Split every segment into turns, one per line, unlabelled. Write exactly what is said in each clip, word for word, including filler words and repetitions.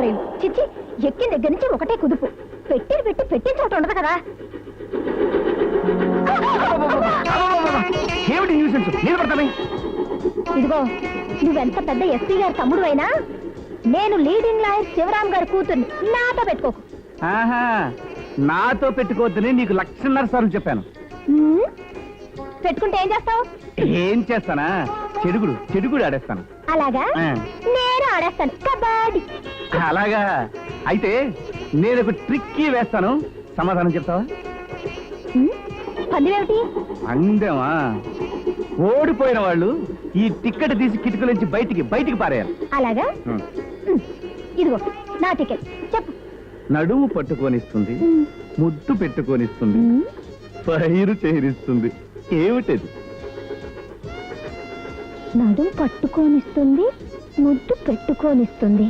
రైలు చిచ్చి ఎక్కిన దగ్గర నుంచి ఒకటే కుదుపు పెట్టి పెట్టి పెట్టిన చోట ఉండదు కదా. ఇదిగో నువ్వెంత పెద్ద ఎస్పీ గారి తమ్ముడు అయినా నేను లీడింగ్ లాయర్ శివరాం గారి కూతుర్ని నాతో పెట్టుకోకు.
నాతో పెట్టుకోవద్దని నీకు లక్షన్నర సార్లు చెప్పాను.
పెట్టుకుంటే ఏం చేస్తావు?
ఏం చేస్తానా, చెడుగుడు చెడుగుడు ఆడేస్తాను.
అలాగా? నేను ఆడేస్తాను కబడ్డీ.
అలాగా? అయితే నేను ఒక ట్రిక్కీ వేస్తాను, సమాధానం చెప్తావా?
పందెమేమిటి?
అందమా? ఓడిపోయిన వాళ్ళు ఈ టికెట్ తీసి కిటికీ నుంచి బయటికి బయటికి పారేయాలి.
అలాగా? ఇదిగో నా టికెట్ చెప్పు.
నడుము పట్టుకొనిస్తుంది, ముద్దు పెట్టుకొనిస్తుంది, పైరు చేరిస్తుంది. ఏమిటది?
నడుము పట్టుకొనిస్తుంది, ముద్దు పెట్టుకొనిస్తుంది,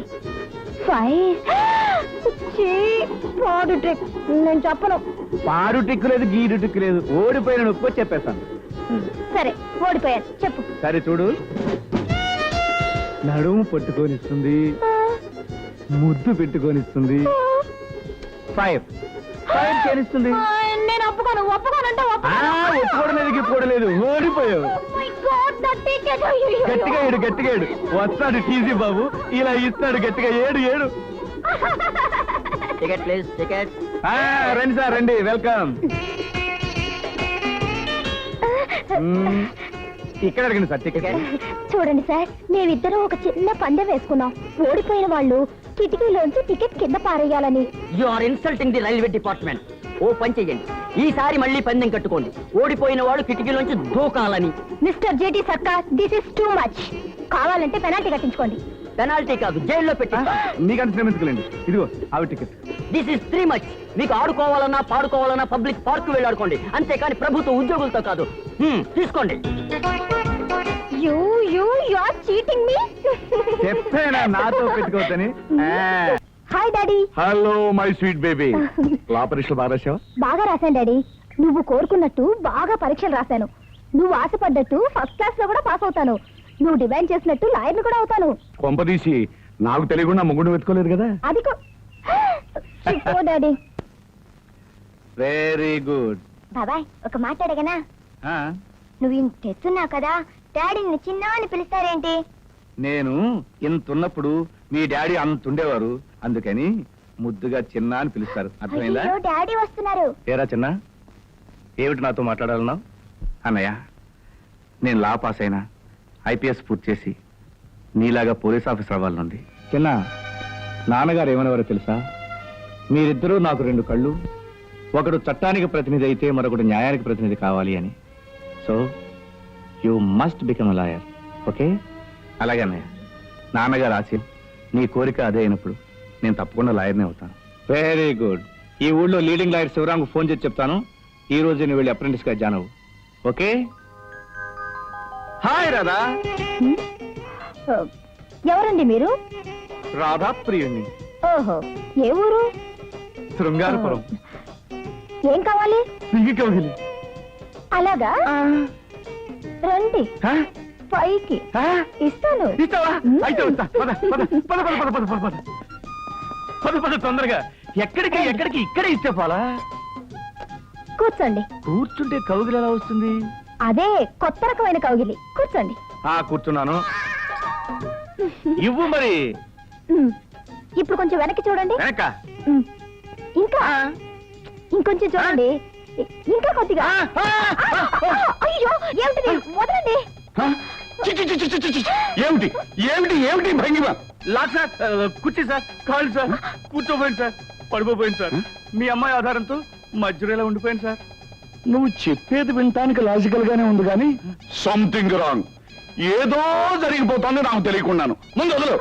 పాడు ట్రిక్. నేను చెప్పను.
పాడు టిక్కు లేదు, గీడు టిక్కు లేదు. ఓడిపోయిన నొప్పి చెప్పేస్తాను.
సరే ఓడిపోయాను చెప్పు.
సరే చూడు, నడుము పట్టుకొనిస్తుంది, ముద్దు పెట్టుకొనిస్తుంది, ఫైర్ ఫైర్ చేరిస్తుంది.
నేను ఒప్పుకోను. ఒప్పుకోనంటే
ఒప్పుకోవడలేదు, గిప్పుకోవడలేదు. ఓడిపోయావు. గట్టిగా ఏడు, గట్టిగా ఏడు. వస్తాడు టీజీ బాబు, ఇలా ఇస్తాడు గట్టిగా. ఏడు ఏడు.
Ticket please, ticket.
రండి సార్, రండి, వెల్కమ్. ఇక్కడ అడిగింది సార్ టికెట్.
చూడండి సార్, మేమిద్దరం ఒక చిన్న పందెం వేసుకున్నాం. ఓడిపోయిన వాళ్ళు కిటికీలోంచి టికెట్ కింద పారేయాలని.
You are insulting the railway department. ఓ పని చెయ్యండి, ఈసారి మళ్ళీ పందెం కట్టుకోండి. ఓడిపోయిన వాళ్ళు కిటికీలోంచి దూకాలని.
Mister JT Sarkar, this is too much. కావాలంటే పెనాల్టీ కట్టించుకోండి.
పెనాల్టీ కాదు, జైల్లో పెట్టి.
మీకంత శ్రమించుకోలేండి. ఇదిగో ఆవి ticket.
This is three much. మీకు ఆడుకోవాలన్నా పాడుకోవాలన్నా పబ్లిక్ పార్క్ వెళ్ళి ఆడుకోండి, అంతేకాని ప్రభుత్వ ఉద్యోగులతో కాదు. తీసుకోండి.
You you you are cheating me.
చెప్పేనా నాతో పెట్టుకోవద్దని?
Hi daddy.
Hello my sweet baby. Law పరీక్షలు బాగా రాశావా?
బాగా రాశాను డాడీ. నువ్వు కోరుకున్నట్టు బాగా పరీక్షలు రాశాను. నువ్వు ఆశపడ్డట్టు ఫస్ట్ క్లాస్ లో కూడా పాస్ అవుతాను. నువ్వు డిమాండ్ చేసినట్టు లాయర్ని కూడా అవుతాను.
కొంపదీసి నాకు తెలియకుండా ముగ్గురు వెతుకోలేదు కదా?
అది డాడీ.
Very good.
బాబాయ్ ఒక మాట అడగనా? నువ్వు ఇంత తెస్తున్నావు కదా, డాడీని చిన్న అని పిలుస్తారేంటి?
నేను ఇంతున్నప్పుడు మీ డాడీ అంత ఉండేవారు, అందుకని ముద్దుగా చిన్న అని పిలుస్తారు. అర్థమైందా?
డాడీ వస్తున్నారు.
ఏరా చిన్న, ఏమిటి నాతో మాట్లాడాలన్నావు? అన్నయ్య, నేను లా పాస్ అయినా ఐపీఎస్ పూర్తి చేసి నీలాగా పోలీస్ ఆఫీసర్ అవ్వాలనుంది. చిన్న, నాన్నగారు ఏమనేవారో తెలుసా? మీరిద్దరూ నాకు రెండు కళ్ళు, ఒకడు చట్టానికి ప్రతినిధి అయితే మరొకడు న్యాయానికి ప్రతినిధి కావాలి అని. So you must become a lawyer. Okay? అలాగే అన్నయ్య, నాన్నగారు ఆశయం, నీ కోరిక అదే అయినప్పుడు నేను తప్పకుండా లాయర్నే అవుతాను. Very good. ఈ ఊళ్ళో లీడింగ్ లాయర్ శివరాంకు ఫోన్ చేసి చెప్తాను, ఈ రోజు నువ్వు వెళ్ళి అప్రెంటిస్ గా జాయిన్ అవ్వు. ఓకే? హాయ్ రాధా.
ఎవరండి మీరు?
రాధా ప్రియుణ్ణి.
ఓహో, ఏ ఊరు?
శృంగారపురం.
ఏం కావాలి?
కౌగిలి.
అలాగా, రండి పైకి ఇస్తాను.
తొందరగా. ఎక్కడికి ఎక్కడికి? ఇక్కడే ఇస్తే పోలా.
కూర్చోండి.
కూర్చుంటే కౌగిలి ఎలా వస్తుంది?
అదే కొత్త రకమైన కౌగిలి. కూర్చోండి.
కూర్చున్నాను. ఇవ్వు మరి.
ఇప్పుడు కొంచెం వెనక్కి చూడండి.
వెనక?
ఇంకా ఇంకొంచెం చూడండి. ఇంకా కొద్దిగా. అయ్యో, ఏమిటి? వదలండి.
ఏమిటి ఏమిటి ఏమిటి భంగిమ? లాక్ సార్, కూర్చో సార్, కాళ్ళు సార్, కూర్చోపోయింది సార్, పడిపోయింది సార్. మీ అమ్మాయి ఆధారంతో మధ్యలో ఇలా ఉండిపోయింది సార్.
నువ్వు చెప్పేది వినటానికి లాజికల్ గానే ఉంది కానీ సంథింగ్ రాంగ్. ఏదో జరిగిపోతుంది నాకు తెలియకున్నాను. ముందు వదలు.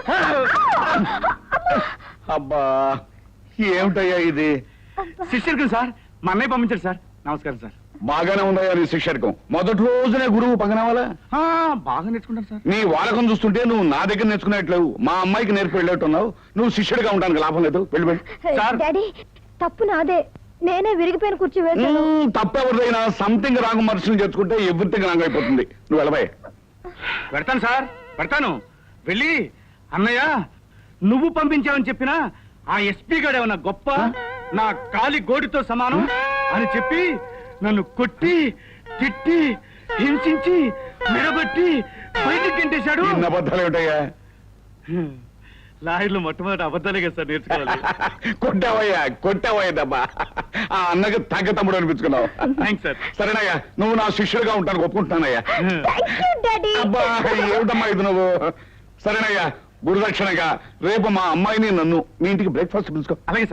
అబ్బా, ఏమిటయ్యా ఇది?
శిష్యుడికి సార్, మా అన్నయ్య పంపించారు సార్. నమస్కారం సార్.
బాగానే ఉందయ్యా నీ శిక్షకం. మొదటి రోజునే గురువు పగనవాలా?
బాగా నేర్చుకుంటాను సార్.
నీ వాడకం చూస్తుంటే నువ్వు నా దగ్గర నేర్చుకునేట్లేవు, మా అమ్మాయికి నేర్పి వెళ్ళేట్టున్నావు. నువ్వు శిష్యుడిగా ఉండడానికి లాభం లేదు. వెళ్ళిపోయి.
డాడీ, తప్పు నాదే. నేనే విరిగిపోయిన కూర్చో వేసాను.
తప్పెవరిదైనా సంథింగ్ రాంగ్ మనుషులు చేర్చుకుంటే ఎవ్రీథింగ్ రాంగ్ అయిపోతుంది. నువ్వు వెళ్ళబాయ్.
పెడతాను సార్, పెడతాను. వెళ్ళి అన్నయ్య నువ్వు పంపించావని చెప్పినా ఆ ఎస్పీ గారు ఏమన్నా గొప్ప నా కాలి గోడితో సమానం అని చెప్పి నన్ను కొట్టి తిట్టి హింసించి మెడబట్టి బయటికి గెంటేశాడు.
ఇన్ని అబద్ధాలు ఏమిటయ్యా?
లాయర్లు మొట్టమొదటి అబద్ధాలే కదా సార్ నేర్చుకోవాలి.
కొట్టావయ్యా కొట్టావయ్యా దెబ్బ. ఆ అన్నకి తగ్గ తమ్ముడు అనిపించుకున్నావు.
Thanks sir.
సరేనయ్యా, నువ్వు నా శిష్యుడిగా ఉంటాను ఒప్పుకుంటున్నానయ్యా.
Thank you daddy.
అబ్బా ఏమిటమ్మా ఇది నువ్వు. సరేనయ్యా, గురుదక్షిణగా రేపు మా అమ్మాయిని నన్ను మీ ఇంటికి బ్రేక్ఫాస్ట్ పిలుచుకో.
అలాగే సార్.